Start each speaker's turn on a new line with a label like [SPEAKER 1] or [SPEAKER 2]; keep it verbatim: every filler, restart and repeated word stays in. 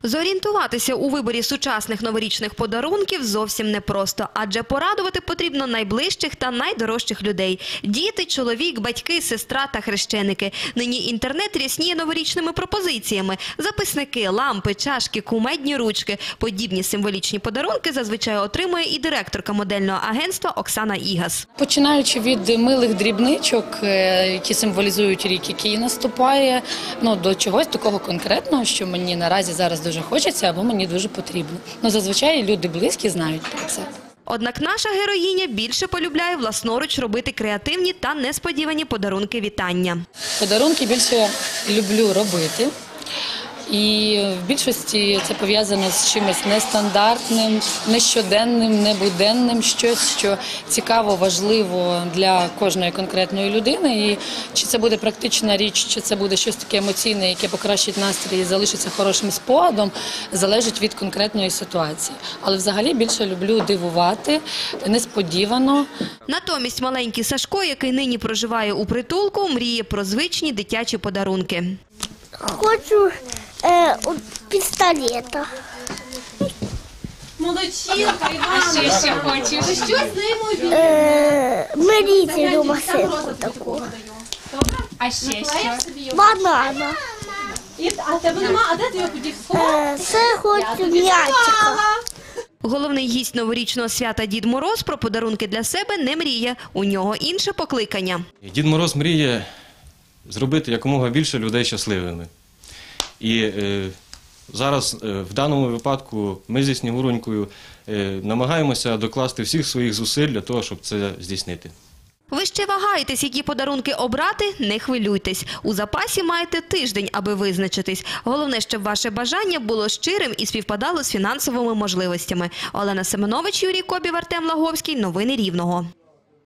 [SPEAKER 1] Зорієнтуватися у виборі сучасних новорічних подарунків зовсім непросто, адже порадувати потрібно найближчих та найдорожчих людей – діти, чоловік, батьки, сестра та хрещеники. Нині інтернет рясніє новорічними пропозиціями – записники, лампи, чашки, кумедні ручки. Подібні символічні подарунки зазвичай отримує і директорка модельного агентства Оксана Ігас.
[SPEAKER 2] Починаючи від милих дрібничок, які символізують рік, який наступає, ну, до чогось такого конкретного, що мені наразі зараз дуже хочеться або мені дуже потрібно. Ну, зазвичай люди близькі знають про це.
[SPEAKER 1] Однак наша героїня більше полюбляє власноруч робити креативні та несподівані подарунки вітання.
[SPEAKER 2] Подарунки більше люблю робити. І в більшості це пов'язано з чимось нестандартним, нещоденним, небуденним, щось, що цікаво, важливо для кожної конкретної людини. І чи це буде практична річ, чи це буде щось таке емоційне, яке покращить настрій і залишиться хорошим спогадом, залежить від конкретної ситуації. Але взагалі більше люблю дивувати, несподівано.
[SPEAKER 1] Натомість маленький Сашко, який нині проживає у притулку, мріє про звичні дитячі подарунки.
[SPEAKER 3] Хочу е, пістолета.
[SPEAKER 4] Молодчинка, Івана. А ще що хочеш? Що з ним
[SPEAKER 3] Е, миліцію машинку таку.
[SPEAKER 4] А ще що?
[SPEAKER 3] Банана.
[SPEAKER 4] А тебе нема? А де ти його подів?
[SPEAKER 3] Е, це хочу м'ячика.
[SPEAKER 1] Головний гість новорічного свята Дід Мороз про подарунки для себе не мріє. У нього інше покликання.
[SPEAKER 5] Дід Мороз мріє зробити якомога більше людей щасливими. І е, зараз, е, в даному випадку, ми зі Снігуронькою е, намагаємося докласти всіх своїх зусиль для того, щоб це здійснити.
[SPEAKER 1] Ви ще вагаєтесь, які подарунки обрати? Не хвилюйтесь. У запасі маєте тиждень, аби визначитись. Головне, щоб ваше бажання було щирим і співпадало з фінансовими можливостями. Олена Семенович, Юрій Кобів, Артем Лаговський. Новини Рівного.